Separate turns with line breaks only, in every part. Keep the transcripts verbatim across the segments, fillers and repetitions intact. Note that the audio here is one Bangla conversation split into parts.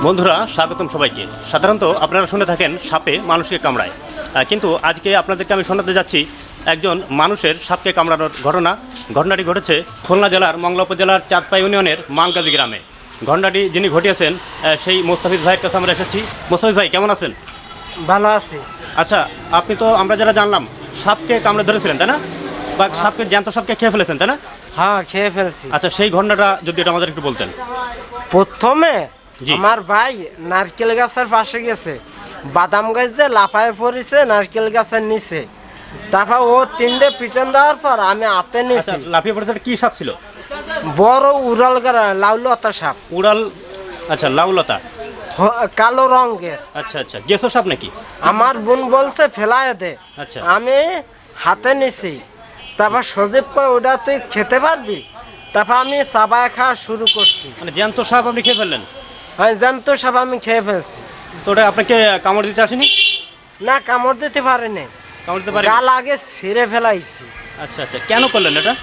বন্ধুরা স্বাগতম সবাইকে। সাধারণত আপনারা শুনে থাকেন সাপে মানুষকে কামড়ায়, কিন্তু আজকে আপনাদেরকে আমি শোনাতে যাচ্ছি একজন মানুষের সাপকে কামড়ানোর ঘটনা। ঘটনাটি ঘটেছে খুলনা জেলার মংলা উপজেলার চাঁদপাই ইউনিয়নের মানগাজী গ্রামে। ঘটনাটি যিনি ঘটিয়েছেন সেই মোস্তাফিজ ভাইয়ের কাছে আমরা এসেছি। মোস্তাফিজ ভাই কেমন আছেন?
ভালো আছি।
আচ্ছা, আপনি তো আমরা যারা জানলাম সাপকে কামড়ে ধরেছিলেন তাই না, বা সাপকে জ্যান্ত সাপকে খেয়ে ফেলেছেন তাই না?
হ্যাঁ, খেয়ে ফেলছি।
আচ্ছা, সেই ঘটনাটা যদি এটা আমাদের একটু বলতেন।
প্রথমে
জি।
আমার ভাই নারকেল গাছের পাশে গেছে, বাদাম গাছ দিয়ে লাফায় পড়েছে নারকেল গাছের নিচে। তারপর ও তিনটে পিটন দেওয়ার পর আমি হাতে
আচ্ছা,
নিয়েছি।
লাফিয়ে পড়েছে কি সাপ ছিল?
বড় উড়াল গাড়া লাউলতা সাপ।
উড়াল? আচ্ছা, লাউলতা,
হ- কালো রঙের।
আচ্ছা আচ্ছা, গেছো সাপ নাকি?
আমার বোন বলছে ফেলায় দে,
আচ্ছা।
আমি হাতে নিছি। তারপর সজীব কয় ওটা তুই খেতে পারবি। তারপর আমি চাবায় খাওয়া শুরু করছি।
মানে জ্যান্ত সাপ আপনি খেয়ে ফেললেন?
হ্যাঁ, জানতো সাপ আমি খেয়ে ফেলছি।
তো ওটা আপনাকে কামড় দিতে আসেনি?
না, কামড় দিতে পারিনি,
কামড় দিতে পারে?
গাল আগে ছিঁড়ে ফেলাইছি।
আচ্ছা আচ্ছা, কেন করলেন এটা?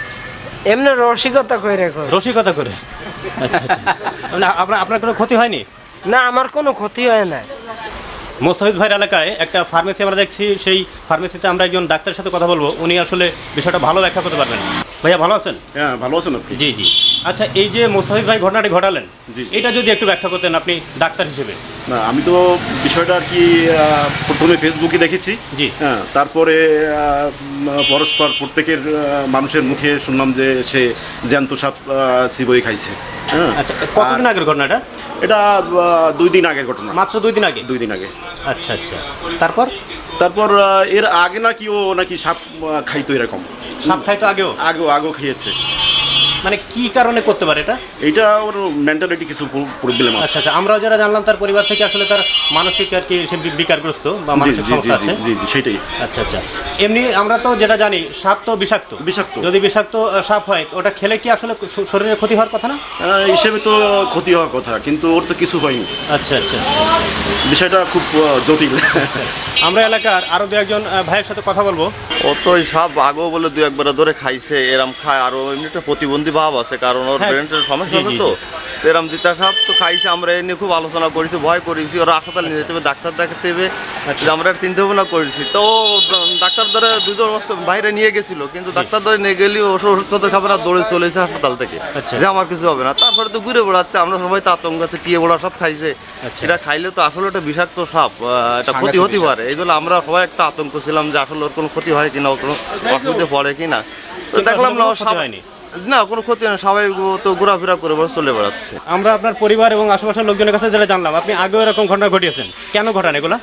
এমনি রসিকতা করে রেখো।
রসিকতা করে? আচ্ছা আচ্ছা, মানে আপনার আপনার কোনো ক্ষতি হয়নি?
না, আমার কোনো ক্ষতি হয় না।
মোস্তাফিজ ভাইয়ের এলাকায় একটা ফার্মেসি আমরা দেখছি, সেই ফার্মেসিতে আমরা একজন ডাক্তারের সাথে কথা বলবো, উনি আসলে বিষয়টা ভালো ব্যাখ্যা করতে পারবেন। ভাইয়া ভালো আছেন?
হ্যাঁ, ভালো আছেন আপনি?
জি জি। আচ্ছা, এই যে মোস্তাফিজ ভাই ঘটনাটি ঘটালেন,
জি।
এটা যদি একটু ব্যাখ্যা করতেন আপনি ডাক্তার হিসেবে।
না, আমি তো বিষয়টা আর কি আহ, প্রথমে ফেসবুকে দেখেছি।
জি।
হ্যাঁ, তারপরে আহ, উম, পরস্পর প্রত্যেকের আহ, মানুষের মুখে শুনলাম যে সে জ্যান্ত সাপ চিবই খাইছে। হ্যাঁ।
আচ্ছা, কতদিন
আর
আগের ঘটনাটা?
এটা আহ, দুই দিন আগের ঘটনা।
মাত্র দুই দিন আগে?
দুই দিন আগে।
আচ্ছা আচ্ছা, তারপর?
তারপর আহ, এর আগে নাকি ও নাকি সাপ আহ, খাইতো এরকম।
সাপ খাইতো আগেও?
আগেও আগেও খেয়েছে।
মানে কি কারণে করতে পারে এটা?
এইটা ওর মেন্টালিটি কিছু প্রবলেম আছে।
আচ্ছা আচ্ছা, আমরা যারা জানলাম তার পরিবার থেকে আসলে তার মানসিক আর কি সে বি- বিকারগ্রস্ত বা
জি
মানসিক
জি জি
সমস্যা
জি
আছে।
জি জি সেটাই।
আচ্ছা আচ্ছা, এমনি আমরা তো যেটা জানি সাপ তো বিষাক্ত।
বিষাক্ত।
যদি বিষাক্ত আহ, সাপ হয় ওটা খেলে কি আসলে শ- শরীরে ক্ষতি হওয়ার কথা না?
আহ, হিসেবে তো ক্ষতি হওয়ার কথা, কিন্তু ওর তো কিছু হয়নি।
আচ্ছা আচ্ছা,
বিষয়টা খুব আহ, জটিল।
আমরা এলাকার আরো দু একজন আহ, ভাইয়ের সাথে কথা বলবো।
ও তো ওই সব আগেও বলে দু একবার ধরে খাইছে, এরম খায়। আর এমনি একটা প্রতিবন্ধী ভাব আছে, কারণ ওর
হ্যাঁ,
ব্রেনের সমস্যা
জি,
আছে
জি,
তো।
জি।
তো এরম জিতা সাপ তো খাইছে, আমরা এ নিয়ে খুব আলোচনা করেছি, ভয় করেছি। ওরা হাসপাতালে নিয়ে যেতে হবে, ডাক্তার দেখাতে হবে,
আচ্ছা।
যে আমরা চিন্তা ভাবনা করেছি। তো ও ডাক্তার ধরে দুজন বাইরে নিয়ে গেছিল, কিন্তু ডাক্তার ধরে নিয়ে গেলেও ওষুধ খাবে না, দৌড়ে চলেছে হাসপাতাল থেকে,
আচ্ছা।
যে আমার কিছু হবে না। তারপরে তো ঘুরে বেড়াচ্ছে, আমরা সবাই তো আতঙ্ক আছে, টিয়ে বড়া সব খাইছে।
আচ্ছা।
এটা খাইলে তো আসলে একটা বিষাক্ত সাপ, আহ, এটা ক্ষতি হতে পারে। এই জন্য আমরা সবাই একটা আতঙ্ক ছিলাম যে আসলে ওর কোনো ক্ষতি হয় কিনা, ওর কোনো অসুবিধে পড়ে কিনা। তো দেখলাম না,
কোনো
ওর
ক্ষতি
সাপ-
হয়নি?
না, কোনো ক্ষতি হয় না, সবাই তো ঘোরাফেরা করে বসে চলে বেড়াচ্ছে।
আমরা আপনার পরিবার এবং আশেপাশের লোকজনের কাছে যেটা জানলাম, আপনি আগেও এরকম ঘটনা ঘটিয়েছেন, কেন ঘটান এগুলা?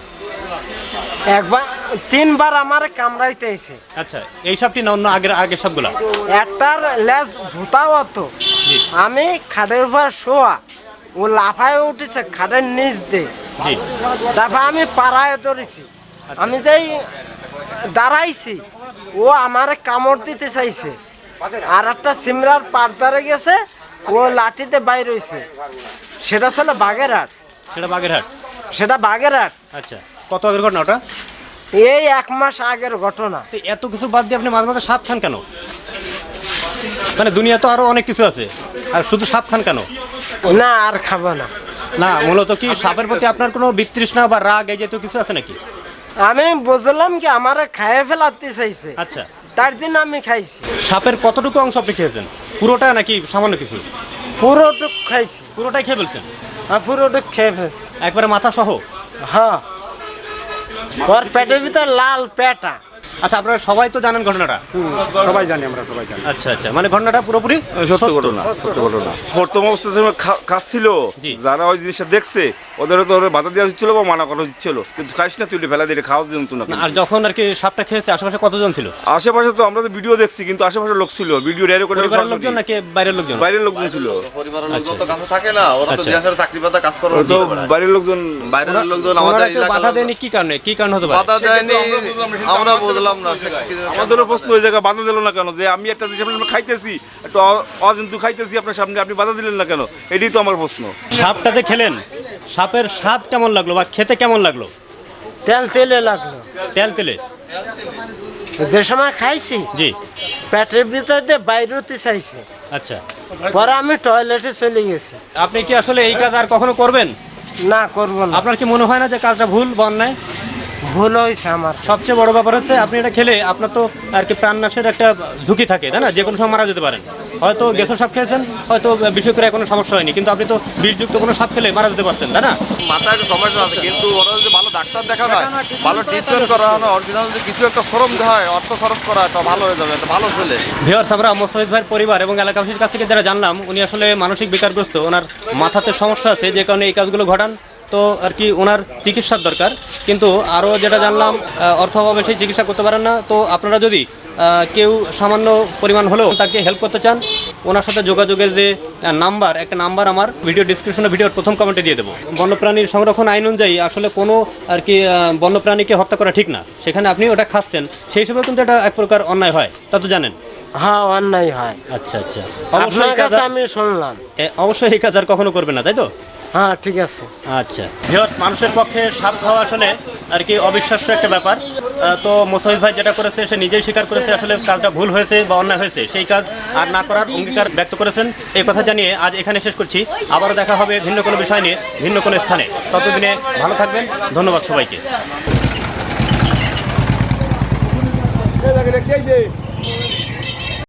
একবার তিনবার আমার কামড়াইতে এসে
আচ্ছা, এই সবটি না অন্য আগের আগের সবগুলা?
একটার লেজ ভূতাও হতো।
জি
আমি খাটের উপর শোয়া, ও লাফায় উঠেছে খাটের নিচ দিয়ে।
জি।
তারপর আমি পাড়ায় ধরেছি, আমি যেই দাঁড়াইছি ও আমার কামড় দিতে চাইছে। আর একটা সিমরার পাড়দারে গেছে, ও লাঠিতে বাইর হয়েছে। সেটা ছিল বাগেরহাট।
সেটা বাগেরহাট?
সেটা বাগেরহাট।
আচ্ছা, কত আগের ঘটনা ওটা?
এই এক মাস আগের ঘটনা।
তো এত কিছু বাদ দিয়ে আপনি মাঝে মাঝে সাপ খান কেন? মানে দুনিয়া তো আরো অনেক কিছু আছে, আর শুধু সাপ খান কেন?
না, আর খাবো না।
না, মূলত কি সাপের প্রতি আপনার কোনো বিতৃষ্ণা বা রাগ এই জাতীয় কিছু আছে নাকি?
আমি বুঝলাম কি আমার খাইয়ে ফেলাতে চাইছে,
আচ্ছা,
তার জন্য আমি খাইছি।
সাপের কতটুকু অংশ আপনি খেয়েছেন? পুরোটা নাকি সামান্য কিছু?
পুরোটুক খাইছি।
পুরোটাই খেয়ে ফেলছেন?
আর পুরোটুক খেয়ে ফেলছি।
একবারে মাথা সহ?
হ্যাঁ, ওর পেটের ভিতর লাল পেটা।
আচ্ছা, আপনারা সবাই তো জানেন ঘটনাটা?
সবাই জানি, আমরা সবাই জানি।
আচ্ছা আচ্ছা, মানে ঘটনাটা পুরোপুরি
সত্য ঘটনা, সত্য ঘটনা। প্রথম অবস্থাতে খাচ্ছিল,
জি।
যারা ওই জিনিসটা দেখছে ওদেরও তো ওরা বাধা দেওয়া হচ্ছিল বা মানা করা হচ্ছিল, কিন্তু খাইস না, তুই ফেলা দিয়ে খাওয়া জন্য না।
না, আর যখন আর কি সাপটা খেয়েছে আশেপাশে কতজন ছিল?
আশেপাশে তো আমরা তো ভিডিও দেখছি, কিন্তু আশেপাশে লোক ছিল, ভিডিও ডাইরেক্ট করে
পরিবারের লোকজন নাকি বাইরের লোকজন?
বাইরের লোকজন ছিল।
পরিবারের লোকজন তো কাছে থাকে না, ওরা তো
আচ্ছা।
দেশের চাকরি পাতা কাজ করে।
তো বাইরের লোকজন,
বাইরের লোকজন
ওনারা
আমাদের
কেউ বাধা
এলাকার
দেয়নি কি কারণে? কি কারণ হতে পারে?
বাধা দেয়নি, আমরা বুঝলাম না।
আমাদেরও প্রশ্ন ওই জায়গায় বাধা দিল না কেন, যে আমি একটা জিনিস আপনার খাইতেছি, একটু অ- অজন্তু খাইতেছি আপনার সামনে, আপনি বাধা দিলেন না কেন? এটাই তো আমার প্রশ্ন।
সাপটা যে খেলেন, সাপের স্বাদ কেমন লাগলো বা খেতে কেমন লাগলো?
তেল তেলে লাগলো।
তেল তেলে?
যে সময় খাইছি
জি।
পেটের ভিতর দিয়ে বাইরে হতে চাইছে।
আচ্ছা,
পরে আমি টয়লেটে চলে গেছি।
আপনি কি আসলে এই কাজ আর কখনো করবেন?
না, করবো না।
আপনার কি মনে হয় না যে কাজটা ভুল বা অন্যায়?
ভুল হয়েছে আমার।
সবচেয়ে বড় ব্যাপার হচ্ছে আপনি এটা খেলে আপনার তো আর কি প্রাণনাশের একটা ঝুঁকি থাকে, তাই না? যে কোনো সময় মারা যেতে পারেন। হয়তো গেছো সাপ খেয়েছেন, হয়তো বিষ করে কোনো সমস্যা হয়নি, কিন্তু আপনি তো বিষযুক্ত কোনো সাপ খেলে মারা যেতে পারতেন, তাই না?
মাথায় একটা সমস্যা আছে, কিন্তু ওরা যদি ভালো ডাক্তার দেখানো হয়, ভালো ট্রিটমেন্ট করা হয়, অরিজিনাল যদি কিছু একটা শ্রম দেওয়া হয়, অর্থ খরচ করা হয়, তা ভালো হয়ে যাবে, একটা ভালো ছেলে।
ভিউয়ার্স, আমরা মোস্তাফিজ ভাইয়ের পরিবার এবং এলাকাবাসীর কাছ থেকে যারা জানলাম, উনি আসলে মানসিক বিকারগ্রস্ত, ওনার মাথাতে সমস্যা আছে, যে কারণে এই কাজগুলো ঘটান। তো আর কি ওনার চিকিৎসার দরকার, কিন্তু আরও যেটা জানলাম আহ, অর্থ অভাবে সেই চিকিৎসা করতে পারেন না। তো আপনারা যদি আহ, কেউ সামান্য পরিমাণ হলেও তাকে হেল্প করতে চান, ওনার সাথে যোগাযোগের যে নাম্বার, একটা নাম্বার আমার ভিডিও ডিসক্রিপশনে ভিডিওর প্রথম কমেন্টে দিয়ে দেবো। বন্যপ্রাণীর সংরক্ষণ আইন অনুযায়ী আসলে কোনো আর কি আহ, বন্যপ্রাণীকে হত্যা করা ঠিক না, সেখানে আপনি ওটা খাচ্ছেন, সেই হিসেবে কিন্তু এটা এক প্রকার অন্যায় হয়, তা তো জানেন।
হ্যাঁ, অন্যায় হয়।
আচ্ছা আচ্ছা,
আপনার
অবশ্যই এই কাজ
কাছে
আর-
আমি শুনলাম।
এ, অবশ্যই এই কাজ আর কখনো করবেন না, তাই তো?
হ্যাঁ, ঠিক আছে।
আচ্ছা ভিউয়ার্স, মানুষের পক্ষে সাপ খাওয়া আসলে আর কি অবিশ্বাস্য একটা ব্যাপার। আহ, তো মোসাহিদ ভাই যেটা করেছে সে নিজেই স্বীকার করেছে আসলে কাজটা ভুল হয়েছে বা অন্যায় হয়েছে, সেই কাজ আর না করার অঙ্গীকার ব্যক্ত করেছেন। এই কথা জানিয়ে আজ এখানে শেষ করছি। আবারও দেখা হবে ভিন্ন কোনো বিষয় নিয়ে, ভিন্ন কোনো স্থানে। ততদিনে ভালো থাকবেন, ধন্যবাদ সবাইকে।